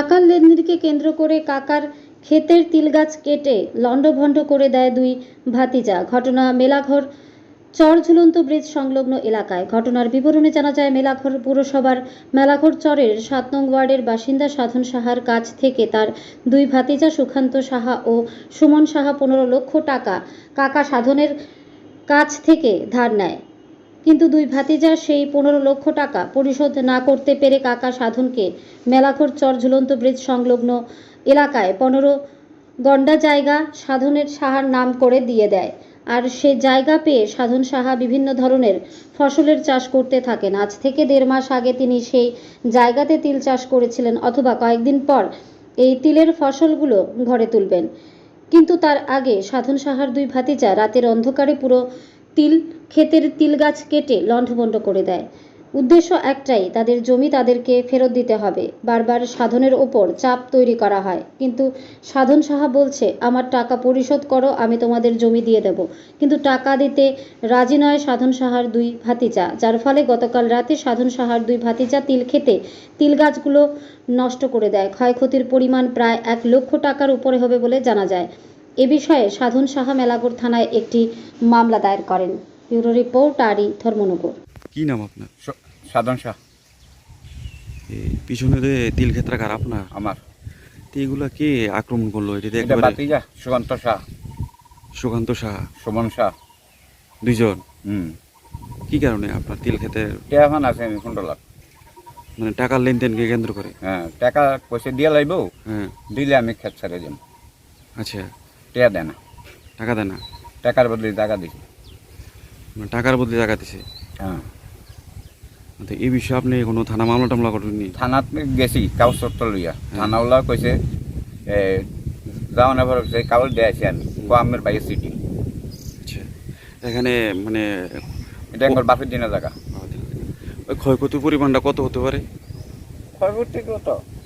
টাকার লেনদেনকে কেন্দ্র করে কাকার ক্ষেতের তিল গাছ কেটে লণ্ডভণ্ড করে দেয় দুই ভাতিজা। ঘটনা মেলাঘর চর ঝুলন্ত ব্রিজ সংলগ্ন এলাকায়। ঘটনার বিবরণে জানা যায়, মেলাঘর পুরসভার মেলাঘর চরের 7 নং ওয়ার্ডের বাসিন্দা সাধন সাহার কাছ থেকে তার দুই ভাতিজা সুকান্ত সাহা ও সুমন সাহা 15 লক্ষ টাকা কাকা সাধনের কাছ থেকে ধার নেয়। কিন্তু দুই ভাতিজা সেই 15 লক্ষ টাকা পরিশোধ না করতে পেরে কাকা সাধনকে মেলাঘর চর ঝুলন্ত ব্রিজ সংলগ্ন এলাকায় 15 গন্ডা জায়গা সাধনের সাহার নাম করে দিয়ে দেয়। আর সে জায়গা পেয়ে সাধন সাহা বিভিন্ন ধরনের ফসলের চাষ করতে থাকেন। আজ থেকে 1.5 মাস আগে তিনি সেই জায়গাতে তিল চাষ করেছিলেন, অথবা কয়েকদিন পর এই তিলের ফসলগুলো ঘরে তুলবেন। কিন্তু তার আগে সাধন সাহার দুই ভাতিজা রাতের অন্ধকারে পুরো তিল ক্ষেতের তিল গাছ কেটে লণ্ডভণ্ড করে দেয়। উদ্দেশ্য একটাই, তাদের জমি তাদেরকে ফেরত দিতে হবে। বারবার সাধনের ওপর চাপ তৈরি করা হয়, কিন্তু সাধন সাহা বলছে, আমার টাকা পরিশোধ করো, আমি তোমাদের জমি দিয়ে দেব। কিন্তু টাকা দিতে রাজি নয় সাধন সাহার দুই ভাতিজা, যার ফলে গতকাল রাতে সাধন সাহার দুই ভাতিজা তিল খেতে তিল গাছগুলো নষ্ট করে দেয়। ক্ষয়ক্ষতির পরিমাণ প্রায় 1 লক্ষ টাকার উপরে হবে বলে জানা যায়। এ বিষয়ে সাধন সাহা মেলাঘর থানায় একটি মামলা দায়ের করেন। ব্যুরো রিপোর্ট আরই ধর্মনগর। কি নাম আপনার? সাধন শাহ। পিছনে যে তিল ক্ষেত্রা কার আপনার? আমার। তো এগুলা কে আক্রমণ করলো? এটা এটা ভাতিজা সুকান্ত শাহ, সুকান্ত সাহা, সুমন শাহ, দুইজন। হুম। কি কারণে আপনার তিল ক্ষেতে এখন আছে আমি 15 লাখ। মানে টাকার লেনদেনকে কেন্দ্র করে? হ্যাঁ, টাকা পয়সা দিয়ে লাইব, হ্যাঁ। দিলে আমি ক্ষেত ছেড়ে দিম। আচ্ছা, টেয়া দেয় না, টাকা দেয় না? টাকার বদলে টাকা দিছি। মানে টাকার বদলে টাকা দিছে? হ্যাঁ। তো এই বিষয়ে আপনি কোনো থানা মামলা টামলা করেননি? থানাত গেছি কাগজপত্র লইয়া, থানাওয়ালা কইছে যাও না ভরো, সেই কাগজ দিয়ে আছি আমি, আমের বাইরে সিটি। আচ্ছা, এখানে মানে এটা একবার বাপের দিনের জায়গা। ওই ক্ষয়ক্ষতির পরিমাণটা কত হতে পারে? ক্ষয়ক্ষতি কত